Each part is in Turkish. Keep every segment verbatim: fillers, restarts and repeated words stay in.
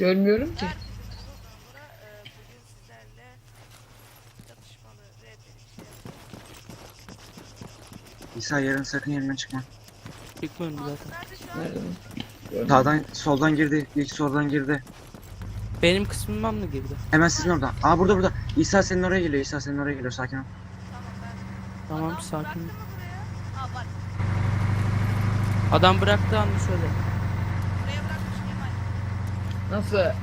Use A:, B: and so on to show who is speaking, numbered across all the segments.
A: Görmüyorum ki.
B: İsa yarın sakın yerinden çıkma.
C: Çıkmıyorum zaten.
A: Nerede mi? Görmedim.
B: Sağdan soldan girdi. İlk soldan girdi.
C: Benim kısmıma mı girdi?
B: Hemen sizin orada. Aa burada burada. İsa senin oraya geliyor. İsa senin oraya geliyor. Sakin ol.
C: Tamam sakin. Adam bıraktı anı söyle.
A: Nasıl?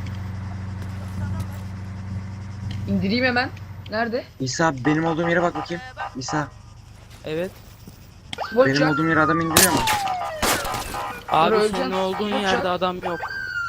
A: İndireyim hemen. Nerede?
B: İsa benim olduğum yere bak bakayım. İsa
C: Evet.
A: Spor
B: benim
A: uçak.
B: olduğum yere adam indiriyor mu?
C: Abi
A: öleceksin.
C: senin olduğun
A: Bak
C: yerde
A: ya.
C: adam yok.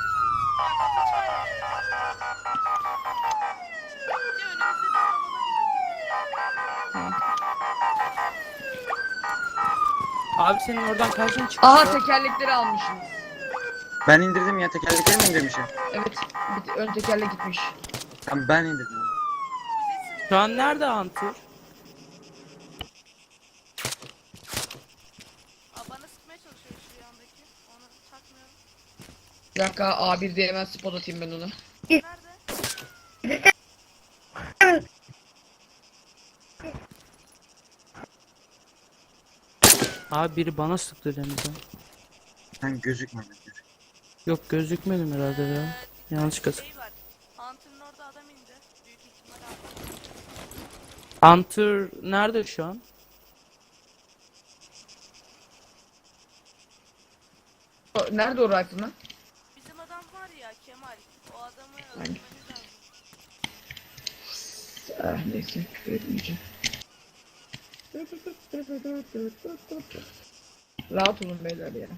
C: Abi senin oradan karşın çıktı.
A: Aha tekerlekleri almışsınız.
B: Ben indirdim ya. Tekerlekleri mi indirmişim?
A: Evet. Bir ön tekerlek gitmiş.
B: Tamam ben indirdim.
C: Şu an nerede Hunter?
D: Bana sıkmaya çalışıyor şu yandaki. Onu takmıyorum.
A: Bir dakika A bir diye hemen spot atayım ben ona.
D: Nerede?
C: Abi biri bana sıktı denizden.
B: Sen gözükmedin.
C: Yok gözükmedim herhalde ya. Yanlış kasık.
D: Şey var. Hunter'ın orada adam indi. Büyük ihtimal aldı.
C: Hunter nerede şu an?
A: O- Nerede o rifle lan?
D: Bizim adam var ya Kemal. O adamı
A: Aynen.
D: öldürmemiz lazım.
A: Ah neyse küfür etmeyeceğim. Rahat olun beyler ya.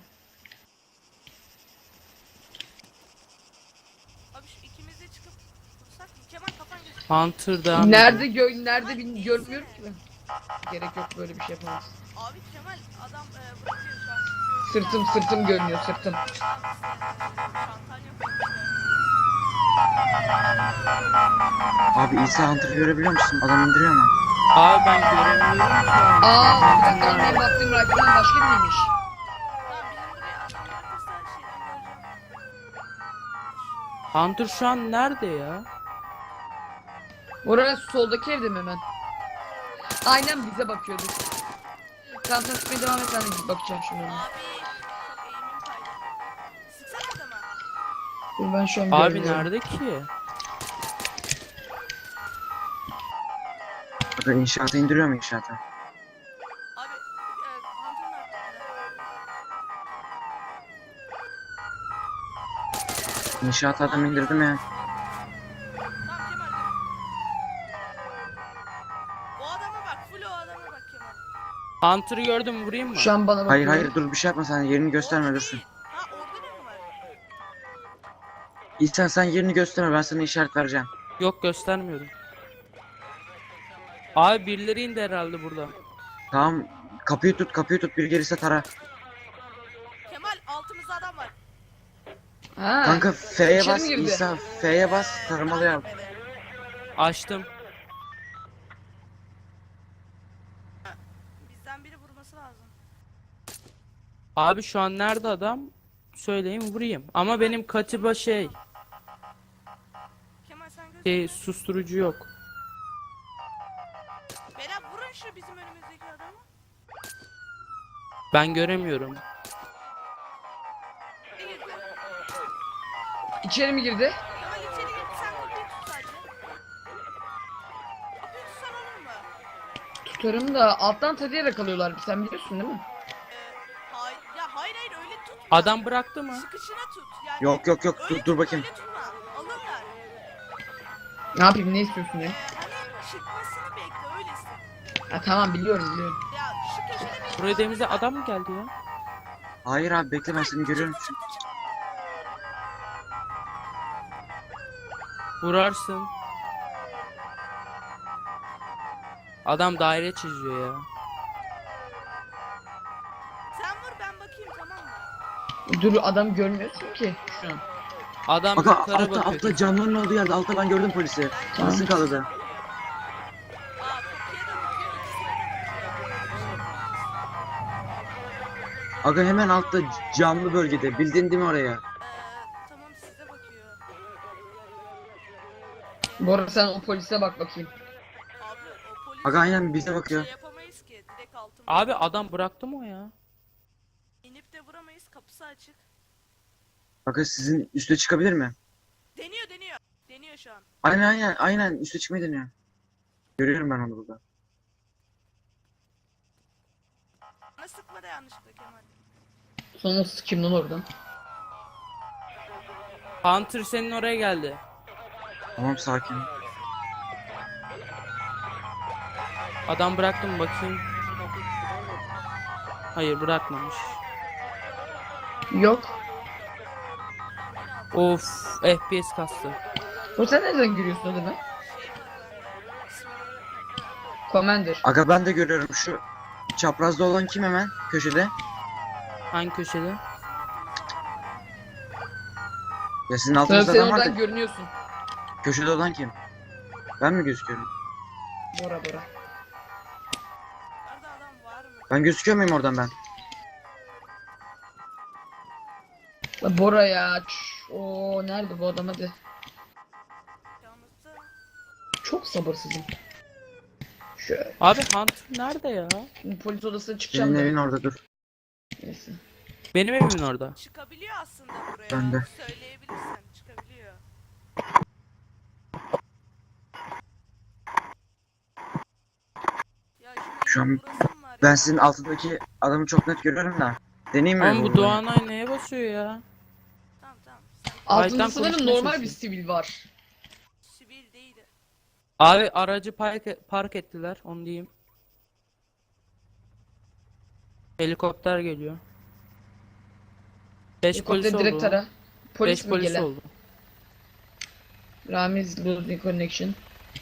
D: Abi şu ikimiz de çıkıp vursak mı? Kemal kafan gözüküyor.
C: Hunter devam
A: Nerede
C: ediyor.
A: gö nerede bin görmüyorum ki ben. Gerek yok böyle bir şey yapamaz.
D: Abi Kemal adam e, bırakıyor şu an.
A: Sırtım sırtım görünüyor sırtım.
D: Şantaj yapıyor.
B: Abi İsa Hunter'ı görebiliyor musun? Adam indiriyor mu?
C: Abi ben göremiyorum şu an.
A: Aa bir dakika lan benim baktığım rifle'dan başka biriymiş.
D: Tamam bizim buraya adam bırakırsa şeyden göreceğim.
C: Hunter şu an nerede ya?
A: Oraya soldaki evde mi hemen? Aynen bize bakıyordu. Tamam sen sıkmaya devam et ben de bakacağım şimdi ona.
D: Abi çok eğimim kaydı. Sıksana adama.
A: Dur ben şu an
C: Abi
A: görmüyorum.
C: nerede ki?
B: Bakın inşaata indiriyor mu inşaata?
D: Abi e, Hunter'ın arkasında.
B: İnşaata adam indirdim ya.
D: Tamam Kemal dur. O adama bak, full o adama bak Kemal.
C: Hunter'ı gördüm vurayım mı?
A: Şu an bana bakıyor.
B: Hayır hayır dur bir şey yapma sen yerini gösterme
D: Orada
B: dursun.
D: değil. Ha orada ne mi var?
B: İsa sen yerini gösterme ben sana işaret vereceğim.
C: Yok göstermiyorum. Abi birileri indi herhalde burada.
B: Tamam kapıyı tut kapıyı tut bir gelirse tara.
D: Kemal altımızda adam var.
A: Ha.
B: Kanka F'ye
A: İçeri
B: bas
A: mi girdi?
B: İsa F'ye bas taramalı yap.
D: Evet.
C: Açtım.
D: Bizden biri vurması lazım.
C: Abi şu an nerede adam? Söyleyin vurayım. Ama benim katiba şey,
D: Kemal sen gözükme.
C: şey susturucu yok.
D: Beyler vurun şu bizim önümüzdeki adamı.
C: Ben göremiyorum.
D: Ne girdi?
A: İçeri mi girdi?
D: Kemal içeri girdi, sen kapıyı tut sadece. Kapıyı tutsan olur mu?
A: Tutarım da alttan tarayarak alıyorlar. Sen biliyorsun değil mi?
D: Ee, hayır, ya hayır hayır öyle tutma.
C: Adam bıraktı mı?
D: Sıkışına tut. Yani
B: Yok yok yok
D: öyle
B: dur dur
D: tutma,
B: bakayım.
D: öyle tutma. Alırlar.
A: Ne yapayım ne istiyorsun ya?
D: Ee, hani çıkmasını bekle öylesin.
A: Ha tamam biliyorum biliyorum.
D: Ya şu köşede bir
C: Buraya denize adam mı geldi ya?
B: Hayır abi bekle ben seni görüyorum.
C: Vurarsın. Adam daire çiziyor ya.
D: sen vur ben bakayım tamam mı?
A: Dur adam görmüyorsun ki şu an.
C: Adam
B: Bak
C: yukarı
B: altta
C: bakıyor.
B: altta camların olduğu yerde altta ben gördüm polisi.
A: Tamam.
B: Nasıl kaldı?
D: Aa kapıya da bakıyor, ikisine de bakıyor.
B: Aga hemen altta camlı bölgede bildin değil mi oraya?
D: Ee, tamam size bakıyor.
A: Bora sen o polise bak bakayım.
D: Abi o polis
B: Aga aynen bize bakıyor.
D: şey yapamayız ki. Direkt altımda.
C: Abi adam bıraktı mı o ya?
D: İnip de vuramayız. Kapısı açık.
B: Aga sizin üste çıkabilir mi?
D: Deniyor deniyor. Deniyor şu an.
B: Aynen aynen aynen üste çıkmayı deniyor. Görüyorum ben onu burada.
D: Bana sıkma da yanlışlıkla Kemal.
A: Sonra sıkayım lan oradan.
C: Hunter senin oraya geldi.
B: Tamam sakin.
C: Adam bıraktı mı bakayım. Hayır bırakmamış.
A: Yok.
C: Of F P S kastı.
A: O sen nereden görüyorsun adamı?
D: Şey var bende. İsmini öğretmedim.
A: Commander.
B: Aga ben de görüyorum şu çaprazda olan kim hemen köşede?
C: Hangi köşede?
B: Ya sizin
A: Sen,
B: altınızda
A: sen
B: adam var
A: oradan
B: da
A: görünüyorsun.
B: köşede olan kim? Ben mi gözüküyorum?
A: Bora Bora.
D: Nerede adam var mı?
B: Ben gözüküyor muyum oradan ben?
A: La Bora ya. Ç- Oo nerede bu adam hadi.
D: Yalnızda
A: Çok sabırsızım. Şöyle.
C: Abi Hunter nerede ya?
A: Şimdi polis odasına çıkacağım
B: Senin
A: da.
B: evin orada dur.
A: Neyse.
C: Benim evimin orada.
D: çıkabiliyor aslında buraya.
B: Ben de.
D: Söyleyebilirsen çıkabiliyor. Ya
B: Şu an
D: burası mı var
B: Ben
D: ya?
B: sizin altındaki adamı çok net görüyorum da. Deneyeyim mi?
C: Ama bu
B: bunu?
C: Doğanay neye basıyor ya?
D: Tamam tamam.
A: Altında
C: Aydan
A: sanırım
C: konuşmaya
A: normal bir
C: çalışıyorum.
A: sivil var.
D: Sivil değildi.
C: Abi aracı park, park ettiler onu diyeyim. Helikopter geliyor. beş polis
A: Helikopter direkt
C: oldu.
A: tara. Polis
C: beş
A: mi
C: polis
A: gelen?
C: oldu.
A: Ramiz losing connection.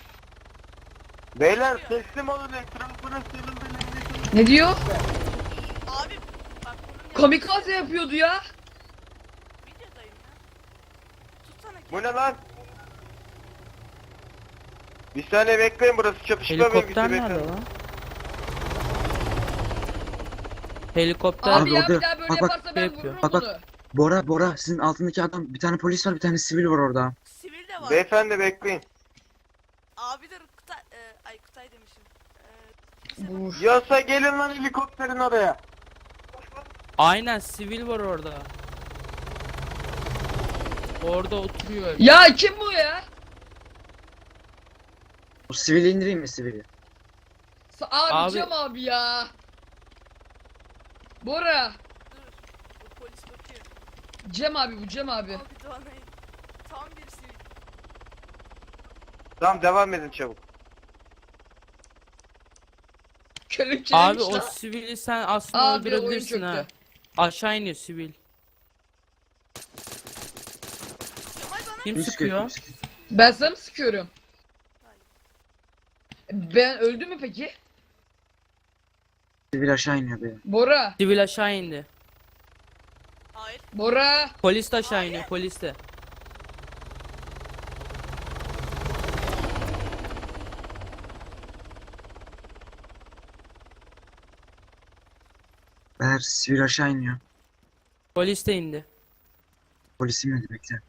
E: Beyler teslim olun etrafına sarılın.
A: Ne diyor?
D: Abi bak bunun
A: Kamikaze yapıyordu ya.
D: videodayım ya. Tutsana
E: Bu
D: kendini.
E: ne lan? Bir saniye bekleyin, burası çatışma
C: Helikopter
E: bölgesi
C: nerede
E: bekleyin.
C: lan? Helikopter
A: Abi,
B: Abi
A: ya
B: orada-
A: bir daha böyle
B: bak, bak,
A: yaparsa ben
C: yapıyor.
A: vururum
B: Bak, bak.
A: bunu.
B: Bora Bora sizin altındaki adam bir tane polis var bir tane sivil var orada.
D: Sivil de var.
E: Beyefendi bekleyin.
D: Abi dur Kutay, e, ay Kutay demişim. E, bize bak.
A: Vur.
E: Yasa gelin lan helikopterin oraya.
C: aynen sivil var orada. Orada oturuyor.
A: Ya kim bu ya?
B: O sivili indireyim mi sivili?
A: Sa- Abi,
C: Abi-
A: Cem abi ya. Bora.
D: Dur. Bu polis bakıyor.
A: Cem abi bu Cem abi.
D: Abi Doğanay. Tam bir sivil.
E: Tamam devam edin çabuk.
A: Kelepçelemiş
C: Abi o
A: lan.
C: sivili sen aslında
A: Abi, oyun
C: öldürebilirsin ha.
A: çöktü.
C: Aşağı iniyor sivil.
D: Kemal bana
C: Kim
B: Kim
C: sıkıyor?
B: Kim sıkıyor?
A: Ben sana mı sıkıyorum? Ben öldüm mü peki?
B: Sivil aşağı iniyor be.
A: Bora.
C: Sivil aşağı indi.
D: hayır.
A: Bora.
C: Polis de aşağı iniyor polis de.
B: Beyler sivil aşağı iniyor.
C: Polis de indi.
B: Polis inmedi bekle.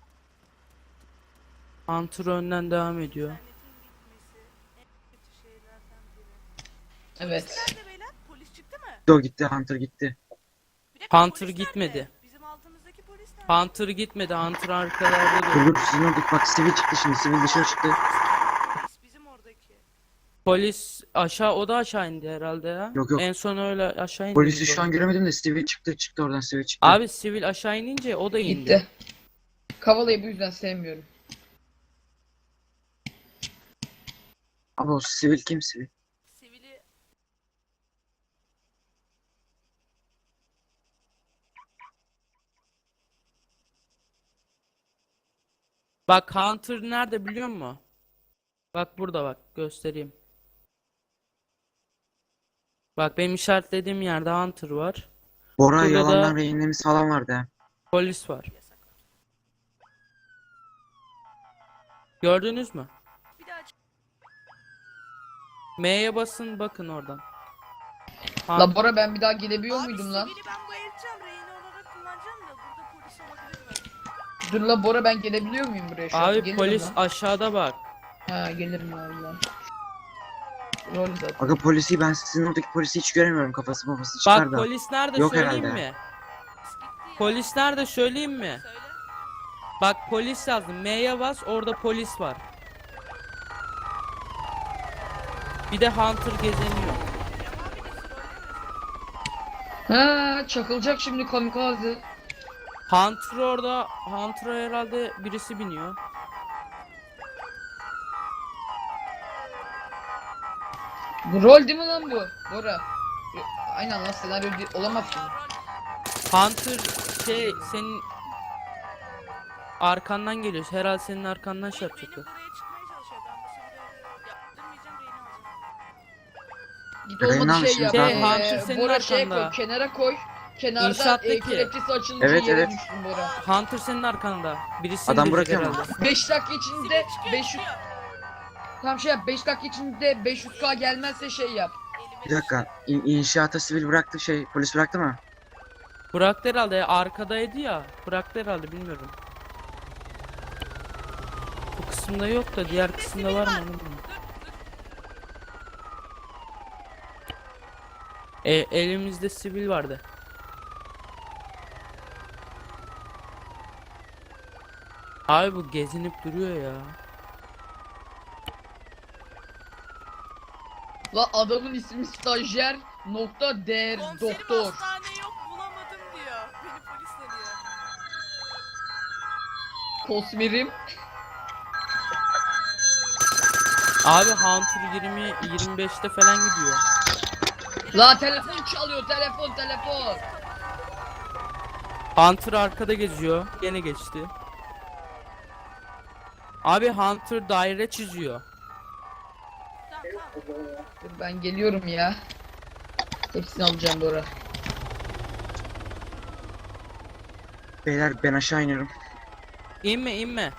C: Hunter önden devam ediyor.
D: İnternetin gitmesi en kötü şeylerden biri.
A: Evet.
D: Nerede beyler? Polis çıktı mı?
B: O gitti Hunter gitti.
D: Bir dakika,
C: Hunter
D: polis
C: gitmedi.
D: nerede? Bizim altımızdaki polis nerede?
C: Hunter gitmedi. Hunter arkalarda
B: Dur
C: duruyor.
B: dur sizin oradaki bak sivil çıktı şimdi sivil dışarı çıktı.
D: Polis bizim oradaki.
C: Polis aşağı o da aşağı indi herhalde ya.
B: Yok, yok.
C: En son öyle aşağı indi.
B: Polisi
C: gibi
B: şu an
C: oldu.
B: göremedim de sivil çıktı çıktı oradan sivil çıktı.
C: Abi sivil aşağı inince o da indi.
A: Gitti. Kavala'yı bu yüzden sevmiyorum.
B: Abi o sivil kim sivil?
D: Sivili
C: Bak Hunter nerede biliyor musun? Bak burada bak göstereyim. Bak benim işaretlediğim yerde Hunter var.
B: Bora
C: Burada da-
B: yalandan rehinlerimiz falan vardı ha.
C: Polis var.
D: yasak.
C: Gördünüz mü?
D: Bir daha çık.
C: M'ye basın bakın oradan.
A: La
C: Hun-
A: Bora ben bir daha gelebiliyor
D: Abi
A: muydum lan?
D: sivili ben bu elçem rehine olarak kullanacağım da burada polis olabilir mi?
A: Dur la Bora ben gelebiliyor muyum buraya şu an?
C: Abi
A: Geliyorum
C: polis
A: lan.
C: aşağıda bak.
A: Ha gelirim valla. Rol zaten.
B: Aga polisi ben sizin oradaki polisi hiç göremiyorum, kafası babası
C: Bak
B: çıkar da.
C: polis nerede
B: Yok
C: söyleyeyim
B: herhalde.
C: mi?
D: Biz gitti ya.
C: Polis nerede söyleyeyim mi?
D: Söyle.
C: Bak polis yazdım. M'ye bas, orada polis var. Bir de Hunter gezeniyor.
D: Cem abi de trollemiyorsun.
A: Ha çakılacak şimdi kamikaze.
C: Hunter orada, Hunter'a herhalde birisi biniyor.
A: Bu rol değil mi lan bu? Bora. Yo, aynen lan senaryo değil, olamaz ki.
D: Aa, rol.
C: Hunter şey senin arkandan geliyor. Herhalde senin arkandan şey
D: Benim
C: yapacak.
D: buraya çıkmaya çalışıyor. Ben bu sefer yaptırmayacağım, reyni alacağım.
A: Git
B: Reyna
A: olmadı şey
B: mısınız
A: yap.
C: abi?
A: Ee,
C: Hunter senin
A: Bora şeye koy,
C: arkanda.
A: kenara koy. Kenardan e,
C: İnşaattaki.
A: kelepçesi açılınca
B: Evet,
A: yere
B: evet.
A: düştün Bora.
C: Hunter senin arkanda. Birisi
B: Adam
C: indirecek
B: bırakıyor mu?
C: herhalde.
A: beş dakika içinde
D: Sivil çıkıyor,
A: beş yüz
D: çıkıyor.
A: tam şey yap, beş dakika içinde beş yüz K gelmezse şey yap.
D: Elime
B: Bir dakika, İn- inşaata sivil bıraktı, şey polis bıraktı mı?
C: Bıraktı herhalde. ya, Arkadaydı ya. Bıraktı herhalde, bilmiyorum. Bu kısımda yok da diğer kısımda var mı? onu bilmiyorum. E, elimizde sivil vardı. Abi bu gezinip duruyor ya.
A: La adamın ismi stajyer nokta der
D: Komiserim
A: doktor.
D: hastane yok, bulamadım diyor. Beni polis arıyor.
A: Kosmerim.
C: Abi Hunter yirmi yirmi beşte falan gidiyor.
A: La telefon çalıyor, telefon telefon.
C: Hunter arkada geziyor. Gene geçti. Abi Hunter daire çiziyor.
D: Tamam tamam.
A: Dur ben geliyorum ya. Hepsini alacağım Bora.
B: Beyler ben aşağı iniyorum.
C: İnme inme.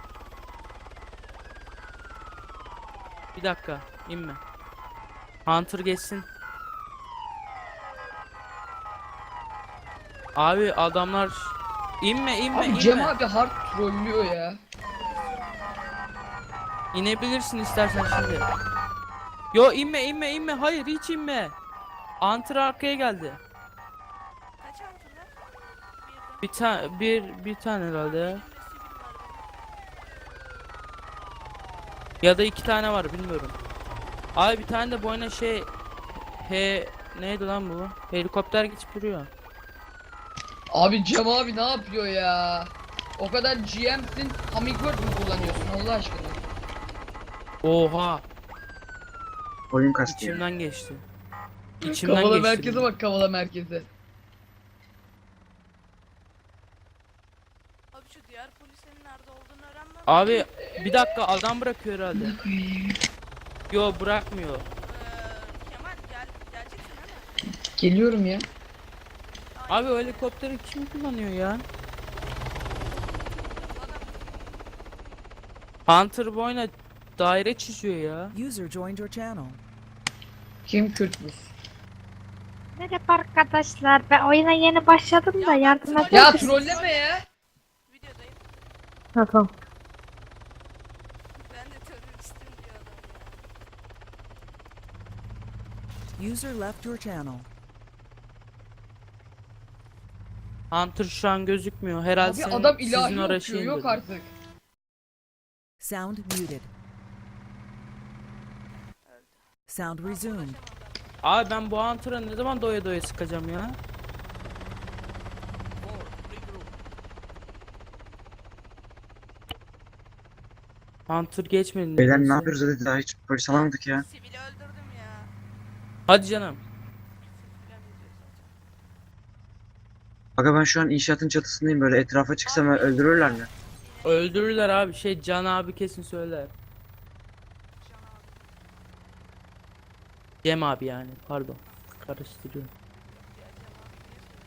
C: Bir dakika inme. Hunter geçsin. Abi adamlar inme inme
A: Abi
C: inme.
A: Cem abi hard trollüyor ya.
C: İnebilirsin istersen şimdi. Yo inme inme inme, hayır hiç inme. Hunter arkaya geldi.
D: Kaç antrenör? Birden.
C: Bir tane bir bir tane herhalde ya.
D: Elimde sivil var benim.
C: Ya da iki tane var bilmiyorum. Abi bir tane de boyuna şey he neydi lan bu? Helikopter geçip duruyor.
A: Abi Cem abi ne yapıyor ya? O kadar G M'sin, Hummingbird mi kullanıyorsun Allah aşkına?
C: Oha,
B: Oyun kastı ya.
C: içimden geçti. İçimden
A: Kavala
C: geçti.
A: merkeze bak, kavala merkeze.
D: Abi şu diğer polisin nerede olduğunu öğrenmem.
C: Abi bir dakika, adam bırakıyor herhalde. Yo bırakmıyor.
D: Ee, Kemal gel, geleceksin değil mi?
A: Geliyorum ya.
C: Abi o helikopteri kim kullanıyor ya? Hunter boyuna daire çiziyor ya.
F: User joined your channel.
A: Kim Kürtmüş?
G: Merhaba arkadaşlar. Ben oyuna yeni başladım da
D: Ya
G: yardım
D: ben
G: eder
A: Ya
G: misiniz?
A: trolleme ya.
D: Videodayım.
G: Ha, tamam.
D: Ben de teröristim diyor adam ya.
F: User left your channel.
C: Hunter şu an gözükmüyor. Herhalde
A: Abi
C: senin-
A: adam
C: sizin
A: ilahi
C: oraya
A: okuyor,
C: şey
A: yok
C: indirdi.
A: artık.
F: Sound muted. Sound resumed.
C: Abi ben bu Hunter'a ne zaman doya doya sıkacağım ya? Hunter geçmedi.
B: Beyler ne
C: nedense.
B: yapıyoruz hadi, daha hiç polis alamadık ya.
D: Sivili öldürdüm ya.
C: Hadi canım.
D: Falan yazıyor zaten.
B: Aga ben şu an inşaatın çatısındayım, böyle etrafa çıksam öldürürler mi?
C: Öldürürler abi, şey Can abi kesin söyler.
D: Can abi.
C: Cem abi yani, pardon. Karıştırıyorum.
D: Ya Cem abi niye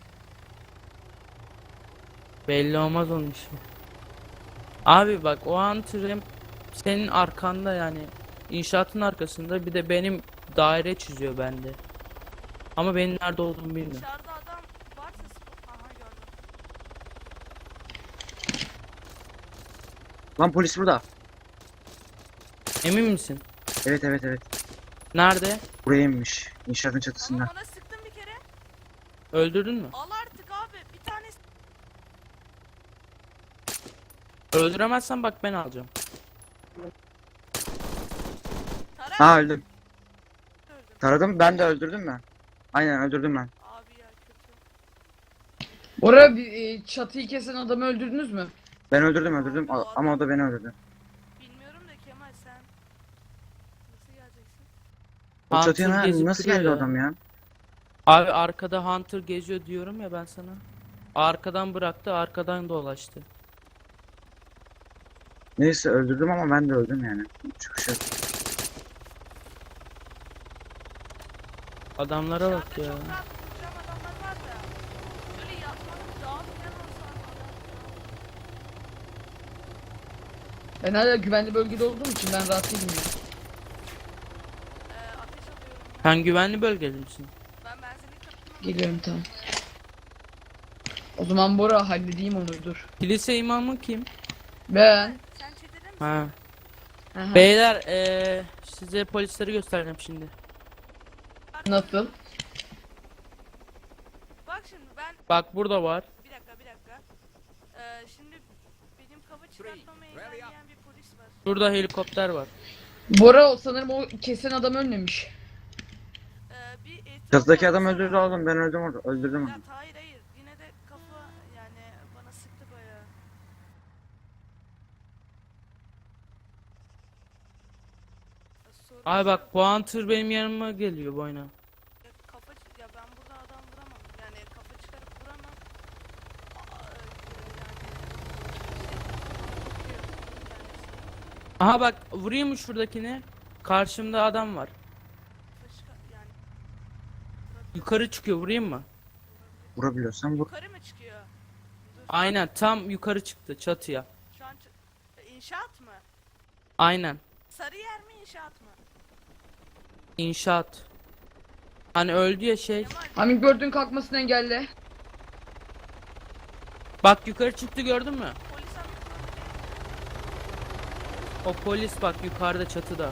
D: söylüyorsun?
C: Belli olmaz onun işi. Abi bak o Hunter hem senin arkanda, yani inşaatın arkasında, bir de benim daire çiziyor bende. Ama benim nerede olduğumu bilmiyorum.
D: Dışarıda adam varsa spot. Aha gördüm.
B: Lan polis burada.
C: Emin misin?
B: Evet evet evet.
C: Nerede?
B: Buraya inmiş. İnşaatın
D: Ama
B: çatısında.
D: ona sıktım bir kere.
C: Öldürdün mü?
D: Al artık abi. Bir tanesi
C: Öldüremezsen bak ben alacağım.
D: Tarak
B: Ha öldüm.
D: öldüm.
B: Taradım, ben de öldürdüm ben. Aynen öldürdüm ben.
D: Abi ya kötü.
A: Bora bir e, çatıyı kesen adamı öldürdünüz mü?
B: Ben öldürdüm öldürdüm A- ama o da beni öldürdü.
D: Bilmiyorum da Kemal sen nasıl geleceksin?
B: O
C: Hunter
B: çatıya ne-
C: gezip
B: nasıl
C: duruyor
B: geldi
C: ya.
B: adam ya?
C: Abi arkada Hunter geziyor diyorum ya ben sana. Arkadan bıraktı, arkadan dolaştı.
B: Neyse öldürdüm ama ben de öldüm yani. Çıkış yok.
C: Adamlara bak
D: Dışarıda
C: ya.
D: çok rahat vuracağım adamlar var da. Böyle yatmanın daha falan olsa
A: Ben hala güvenli bölgede olduğum için ben rahat değilim ya.
D: Ee, ateş alıyorum ya.
C: Sen güvenli bölgede misin?
D: Ben benzinlik yaptım.
A: Geliyorum tamam. O zaman Bora halledeyim onu dur.
C: Kilise imamı kim?
A: Ben.
D: Sen çetede misin?
C: Ha.
A: Aha.
C: Beyler eee size polisleri göstereceğim şimdi.
A: Nasıl?
D: Bak şimdi ben
C: Bak burada var.
D: bir dakika bir dakika. Ee, şimdi benim kafa çıkartmamı engelleyen bir polis var.
C: Burada helikopter var.
A: Bora o sanırım o kesen adam ölmemiş.
D: Ee, bir etrafına
B: Çatıdaki adam
D: baksana.
B: öldürdü oğlum, ben öldüm orada. Öldürdüm onu.
D: Ya hayır hayır yine de kafa yani bana sıktı bayağı. Ya sorun
C: Abi bak
D: yok.
C: bu Hunter benim yanıma geliyor bu oyuna.
D: Ya kafa çı- ya ben burada adam vuramam. Yani kafa çıkarıp vuramam. Aa, e, yani işte,
C: Aha bak vurayım mı şuradakini? Karşımda adam var.
D: kafa çıkar yani
C: Yukarı çıkıyor, vurayım mı?
B: Vurabiliyorsan vur.
D: yukarı mı çıkıyor? Dur,
C: Aynen tam yukarı çıktı çatıya.
D: şu an çı- e, inşaat mı?
C: Aynen.
D: Sarı yer mi inşaat mı?
C: İnşaat. Hani öldü ya şey.
D: Kemal
A: Hummingbird'ün kalkmasını engelle.
C: Bak yukarı çıktı gördün mü?
D: polis amca
C: O polis bak yukarıda çatıda.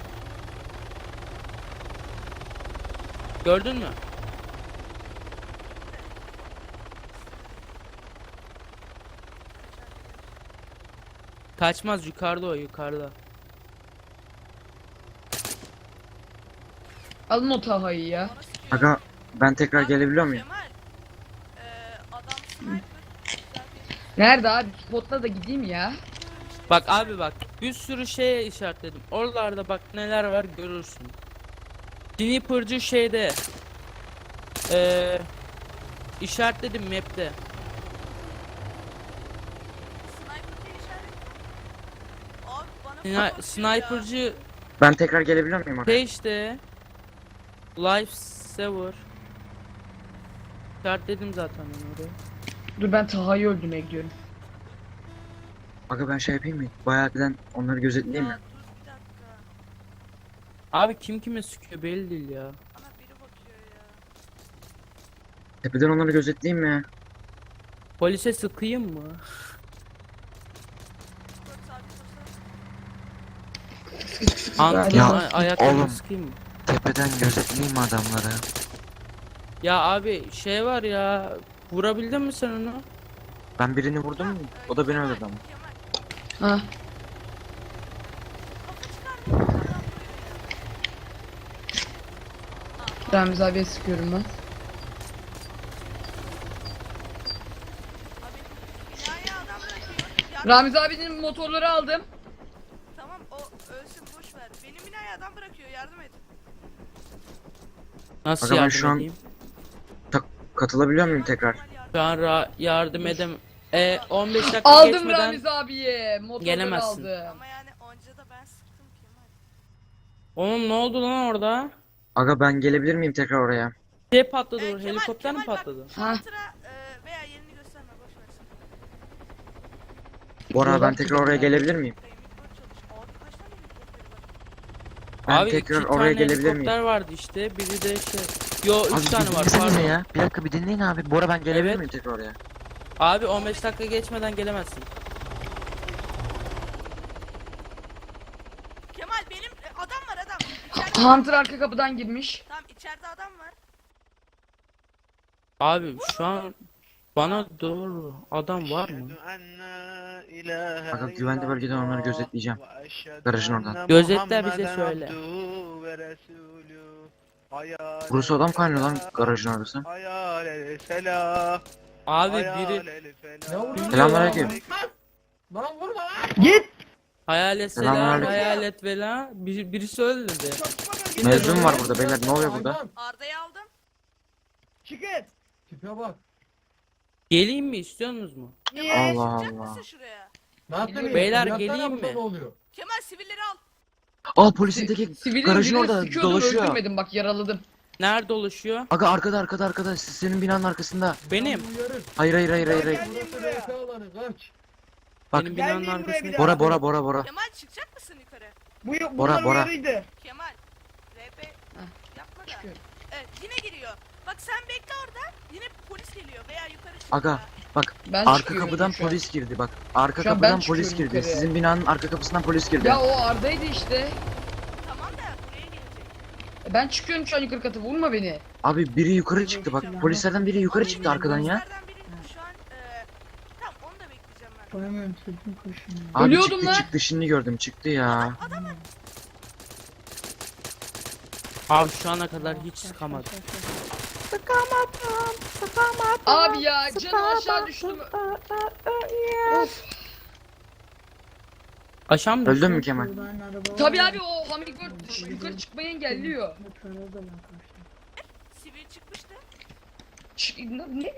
C: Gördün mü? Kaçmaz yukarıda o yukarıda.
A: Alın o Taha'yı ya.
D: bana sıkıyor.
B: Aga ben tekrar
D: Abi,
B: gelebiliyor muyum?
D: Kemal. Ee, adam sniper. Güzel bir-
A: Nerede abi? Spotla da gideyim ya.
C: Bak abi bak bir sürü şeye işaretledim. Oralarda bak neler var görürsün. Sniper'cı şeyde. Eee işaretledim map'te.
D: Sniper diye işaret. Abi bana
C: Sni-
D: falan atıyor
C: Sniper'cı
B: Ben tekrar gelebiliyor muyum aga?
C: şey işte. Life Saver. İşaretledim zaten ben oraya.
A: Dur ben Taha'yı öldürmeye gidiyorum.
B: Aga ben şey yapayım mı? Bayağı birden onları
D: ya.
B: gözetleyeyim
D: Ya
B: mi?
D: dur bir dakika.
C: Abi kim kime sıkıyor belli değil ya.
D: Bana biri bakıyor ya.
B: Tepeden onları gözetleyeyim mi?
C: Polise sıkayım mı?
D: Dur sabit olsa.
C: Antrenman
B: Ya,
C: ay- ayaklarını
B: oğlum.
C: sıkayım mı?
B: Tepeden gözetleyeyim mi adamları?
C: Ya abi şey var ya. Vurabildin mi sen onu?
B: Ben birini vurdum mu? O da beni
D: Kemal,
B: öldürdü ama.
D: Kemal.
A: Ha.
D: Kafa çıkarmıyor. Adam vuruyor ya.
A: Ramiz abiye sıkıyorum ben.
D: Abi binaya adam bırakıyor. Ya,
A: Ramiz abinin motorları aldım.
D: tamam o ölsün boş ver. Benim binaya adam bırakıyor yardım et.
C: Nasıl
B: Aga ben
C: yardım
B: şu an-
C: edeyim?
B: Katılabiliyor muyum tekrar?
D: Kemal yardım-
C: Şu an ra- yardım edem. E on beş dakika
A: Aldım
C: geçmeden
A: Ramiz abiye. Motorları
C: gelemezsin.
A: aldım.
D: Ama yani onca da ben sıktım Kemal.
C: Oğlum ne oldu lan orada?
B: Aga ben gelebilir miyim tekrar oraya?
C: Şey patladı
D: Ee,
C: orada,
D: Kemal,
C: helikopter mi
D: Kemal bak,
C: patladı?
A: Ha.
D: Hunter'a, e, veya yerini gösterme boş ver.
B: Bora ben tekrar oraya gelebilir miyim?
D: Helikopter çalış. Abi kaç tane helikopteri var?
B: Ben
C: Abi
B: tekrar
C: iki
B: oraya
C: tane
B: gelebilir
C: helikopter
B: miyim?
C: vardı işte. Biri de şey. Yo üç
B: Abi
C: tane
B: bir
C: var
B: dinlesenize
C: pardon.
B: ya. Bir dakika bir dinleyin abi. Bora ben gelebilir
C: Evet.
B: miyim tekrar oraya?
C: Abi on beş dakika geçmeden gelemezsin.
D: Kemal benim e, adam var adam. İçeride,
A: Hunter arka kapıdan girmiş.
D: tamam içeride adam var.
C: Abi şu an bana doğru adam var mı?
B: Aga güvenli bölgeden onları gözetleyeceğim. Garajın oradan.
C: Gözetle bize söyle.
B: Burası adam kaynıyor lan garajın orası.
C: Abi biri
B: Selamünaleyküm.
C: hayalet selam,
B: Selamünaleyküm.
C: hayalet vela, bir, birisi öldürdü.
B: Mevzum var burada beyler, ne oluyor burada?
D: Arda'yı aldım.
C: Geleyim mi, istiyorsunuz mu?
D: Kemal
B: Allah
D: çıkacak
B: Allah.
D: mısın şuraya?
C: Beyler geleyim mi?
D: Kemal sivilleri al.
B: Aa polisin teki
A: Sivilin
B: garajın
A: birini
B: orada
A: sıkıyordum,
B: dolaşıyor.
A: öldürmedim bak, yaraladım.
C: Nerede oluşuyor?
B: Aga arkada arkada arkada senin binanın arkasında.
C: Benim.
B: Hayır hayır hayır hayır. hayır. Bak.
C: Benim binanın arkasında.
B: Bora Bora Bora Bora.
D: Kemal çıkacak mısın yukarı?
E: Bu
B: Bora Bora.
D: Kemal. R P yapma da.
A: Çıkıyorum.
D: Evet yine giriyor. Bak sen bekle orada. Yine polis geliyor veya yukarı çık.
B: Aga bak
A: Ben
B: arka
A: çıkıyorum
B: kapıdan
A: şu an.
B: polis girdi bak. Arka
A: Şu an ben
B: kapıdan polis
A: çıkıyorum
B: girdi.
A: yukarıya.
B: Sizin binanın arka kapısından polis girdi.
A: Ya o Arda'ydı işte.
D: Tamam da buraya gelecek.
A: E, Ben çıkıyorum şu an yukarı katı, vurma beni.
B: Abi biri yukarı çıktı bak. Polislerden biri yukarı çıktı arkadan ya.
D: Polislerden biri şu an e, tamam onu da bekleyeceğim ben.
B: Abi
A: Ölüyordum
B: çıktı
A: lan.
B: çıktı şimdi gördüm çıktı ya.
C: Abi şu ana kadar hiç sıkamadım.
A: Abi ya canım aşağı düştüm. Of.
C: Aşağı mı
B: Öldün
C: düştün?
B: mü Kemal?
A: Tabii abi, o Hummingbird dış- yukarı çıkmayı engelliyor.
D: Sivil çıkmıştı.
A: Çık, ne?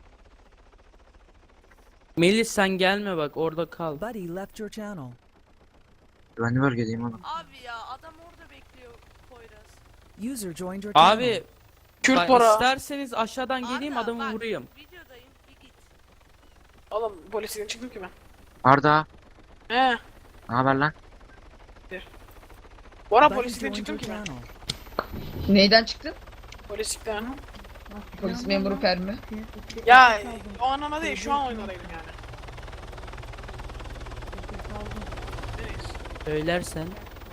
C: Melis sen gelme bak, orada kal.
F: Buddy left your channel.
B: Güvenli bölgedeyim oğlum.
D: Abi ya adam orada bekliyor Poyraz.
F: User joined your channel.
C: Abi
H: Kürt
C: bak,
H: para.
C: isterseniz aşağıdan geleyim,
D: Arda,
C: adamı
D: bak,
C: vurayım.
D: Videodayım bir git.
H: Oğlum polisten çıktım ki ben.
B: Arda,
H: He.
B: ne haber lan?
H: Bora
F: Buddy
H: polisten
F: joined
H: çıktım
F: your
H: ki ben.
F: channel.
A: Neyden çıktın?
H: Polislikten.
A: Polis memuru Fermi.
H: Ya o anlamda değil şu an oynadaydım yani. Neyse.
C: Söylersen.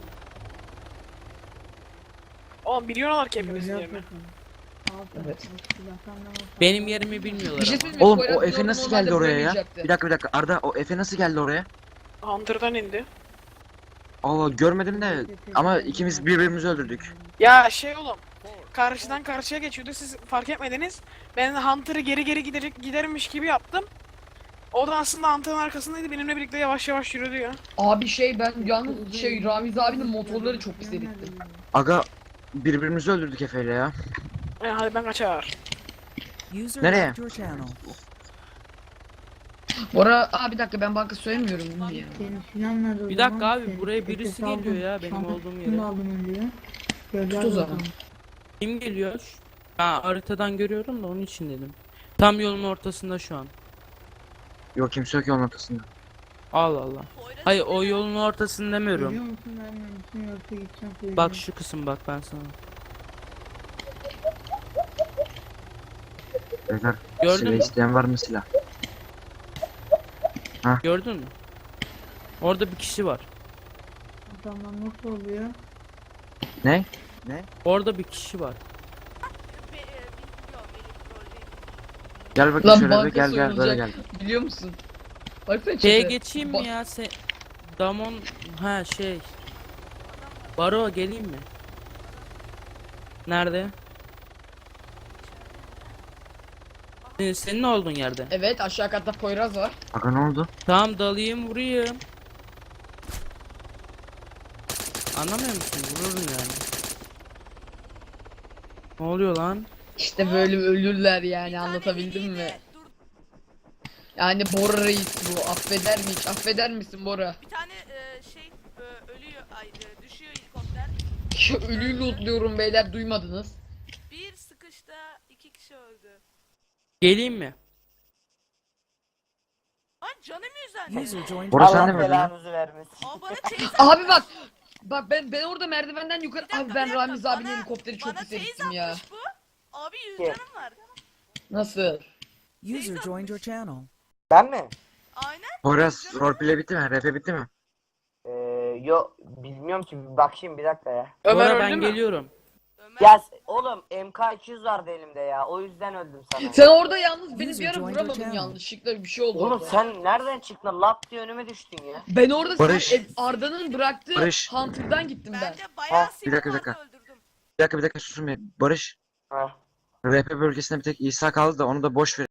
H: Oğlum biliyorlar ki hepimizin yerini.
A: Evet.
C: Benim yerimi bilmiyorlar
A: Bir şey
C: ama.
A: söyleyeyim mi?
B: Oğlum
A: Poyraz
B: o Efe
A: normalde
B: nasıl geldi oraya ya?
A: vuramayacaktı.
B: Bir dakika bir dakika Arda, o Efe nasıl geldi oraya?
H: Hunter'dan indi.
B: Allah görmedim de ama ikimiz birbirimizi öldürdük.
H: Ya şey oğlum. Karşıdan karşıya geçiyordu siz fark etmediniz. Ben Hunter'ı geri geri giderik gidermiş gibi yaptım. O da aslında Hunter'ın arkasındaydı benimle birlikte yavaş yavaş yürüdü ya.
A: Abi şey, ben yalnız şey Ramiz abinin motorları çok pis erittim.
B: Aga birbirimizi öldürdük Efe'yle ya.
H: E, hadi ben kaçar.
F: User
B: Nereye?
F: left your channel.
A: Bora, aa bir dakika, ben banka söylemiyorum ya.
C: Bir dakika abi, buraya birisi geliyor ya benim olduğum yere.
A: Tut o zaman.
C: Kim geliyor? Ha, haritadan görüyorum da onun için dedim. Tam yolun ortasında şu an.
B: Yok kimse yok yolun ortasında.
C: Allah Allah.
D: Poyraz
C: Hayır, o yolun ortasını demiyorum. Bak şu kısım, bak ben sana.
B: Beyler
C: Gördün
B: silah
C: mü?
B: isteyen var mı silah?
C: Gördün mü? Orada bir kişi var.
B: Ne?
C: Orada bir kişi var.
D: be, e, bilmiyorum Melih rolde.
B: Gel bakayım
A: Lan
B: şöyle
A: banka
B: bir gel gel böyle gel.
A: soyulacak. Biliyor musun? Baksana
C: Şeye
A: çete.
C: geçeyim mi
A: Ba-
C: ya? Se Damon, ha şey. Baro geleyim mi? Nerede? Senin, senin olduğun yerde.
A: Evet, aşağı katta Poyraz var.
B: Aga ne oldu?
C: Tamam, dalayım vurayım. Anlamıyor musun? Vururum yani. Ne oluyor lan?
A: İşte böyle ölürler yani,
D: Bir tane
A: anlatabildim
D: Melih'i
A: mi?
D: de- Dur
A: Yani Bora Reis bu, affeder mi hiç? Affeder misin Bora?
D: bir tane e, şey e, ölüyor ay e, düşüyor helikopter.
A: Şu ölüyü lootluyorum beyler, duymadınız.
D: Bir sıkışta iki kişi öldü.
C: Geleyim mi?
D: Lan canım yüzden.
F: User joined
B: Bora
F: your
B: sen de
F: channel.
B: mi öldün lan?
D: Aa bana teyze
A: Abi bak. Bak ben ben orada merdivenden yukarı,
D: Bir dakika,
A: abi ben
D: bir dakika,
A: Ramiz abinin
D: bana-
A: helikopteri çok
D: bana
A: pis
D: teyze
A: erittim ya.
D: atmış bu. Abi yüz canım var.
A: Nasıl?
F: User joined your channel.
I: Ben mi?
D: Aynen.
B: Poyraz roleplay bitti mi? R P bitti mi?
I: Ee, yo bilmiyorum ki bakayım bir dakika ya.
H: Ömer
C: Bora
H: öldü
C: ben
H: mü?
C: geliyorum.
D: Ömer
I: Ya s- oğlum M K iki yüz vardı elimde ya o yüzden öldüm sana.
A: Sen orada yalnız beni
F: User
A: bir ara
F: joined your
A: vuramadın
F: channel.
A: yanlışlıkla bir şey oldu
I: Oğlum
A: orada.
I: sen nereden çıktın? Lap diye önüme düştün ya.
A: Ben orada
B: Barış.
A: sen- e, Arda'nın bıraktığı
B: Barış.
A: Hunter'dan gittim ben.
D: bence bayağı
I: Ha,
B: bir dakika, bir
D: silah
B: dakika.
D: vardı, öldürdüm.
B: Bir dakika bir dakika susun bir. Barış.
I: Ha.
B: R P bölgesinde bir tek İsa kaldı da onu da boş ver.